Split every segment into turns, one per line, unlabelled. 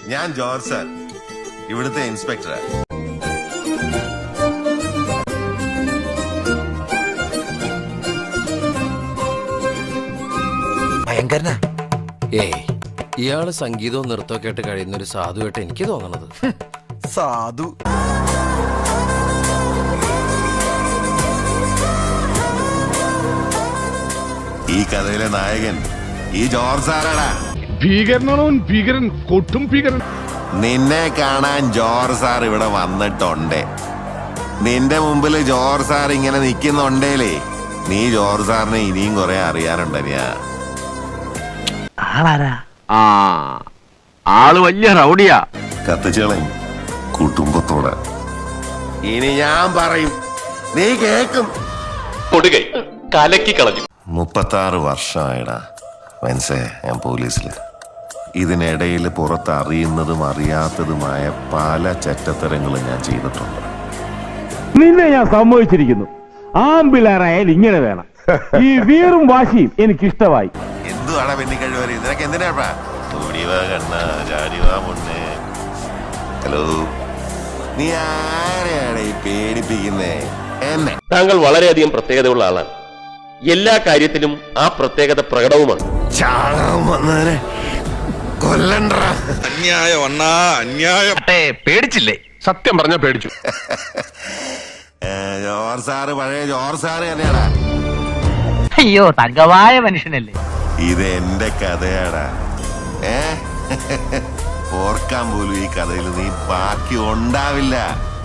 ഞാൻ George sir, ഇവിടുത്തെ ഇൻസ്പെക്ടറാ.
ഭയങ്കരനാ.
ഏയ്, ഇയാള് സംഗീതവും നൃത്തമൊക്കെ ആയിട്ട് കഴിയുന്ന ഒരു സാധുവായിട്ട് എനിക്ക് തോന്നണത്.
സാധു.
ഈ കഥയിലെ നായകൻ ഈ ജോർജ് സാറാടാ.
ഭീകരനാണോ ഭീകരൻ? കൊട്ടും ഭീകരൻ.
നിന്നെ കാണാൻ ജോർജ് സാർ ഇവിടെ വന്നിട്ടുണ്ട്. നിന്റെ മുമ്പിൽ ജോർജ് സാർ ഇങ്ങനെ നിൽക്കുന്നുണ്ടേലേ, നീ ജോർജ് സാറിനെ ഇനിയും കുറെ അറിയാനുണ്ടനിയാ.
ആള് വലിയ റൗഡിയാ.
കത്തിച്ചളയും കുടുംബത്തോടെ. ഇനി ഞാൻ പറയും, നീ കേക്കും.
കൊടുകൈ കലക്കി കളഞ്ഞു.
36 വർഷമായിടാ മനസ്സേ ഞാൻ പോലീസിൽ. ഇതിനിടയിൽ പുറത്ത് അറിയുന്നതും അറിയാത്തതുമായ പല ചെറ്റത്തരങ്ങളും ഞാൻ ചെയ്തിട്ടുണ്ട്.
നിന്നെ ഞാൻ സമ്മതിച്ചിരിക്കുന്നു. ആമ്പിളാറായാൽ ഇങ്ങനെ വേണം. ഈ വീറും വാശിയും എനിക്കിഷ്ടമായി.
എന്തുവാടാ പെണ്ണിക്കഴിവര്? നിനക്ക് എന്തിനാ? ഓടിവാ കണ്ണ, ചാടിവാ മുന്നേ. ഹലോ, നീ ആരെയാണ് ഈ പേടിപ്പിക്കുന്നേ? എന്നെ.
താങ്കൾ വളരെയധികം പ്രത്യേകതയുള്ള ആളാണ്. എല്ലാ കാര്യത്തിലും ആ പ്രത്യേകത പ്രകടവുമാണ്.
ചാകാൻ വന്നവനെ കൊല്ലണ്ട.
അന്യായം അണ്ണാ, അന്യായം.
പേടിച്ചില്ലേ?
സത്യം പറഞ്ഞാൽ പേടിച്ചു.
ജോർജ് സാറ് പഴയ ജോർജ് സാറ് തന്നെയാടാ.
അയ്യോ, തങ്കവായ മനുഷ്യനല്ലേ.
ഇത് എന്റെ കഥയാടാ. ഓർക്കാൻ പോലും ഈ കഥയിൽ നീ ബാക്കി ഉണ്ടാവില്ല.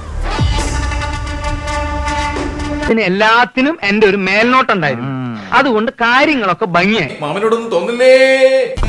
പിന്നെ എല്ലാത്തിനും എന്റെ ഒരു മേൽനോട്ടുണ്ടായിരുന്നു. അതുകൊണ്ട് കാര്യങ്ങളൊക്കെ ഭംഗിയായി.
മാമനോടൊന്നും തോന്നില്ലേ?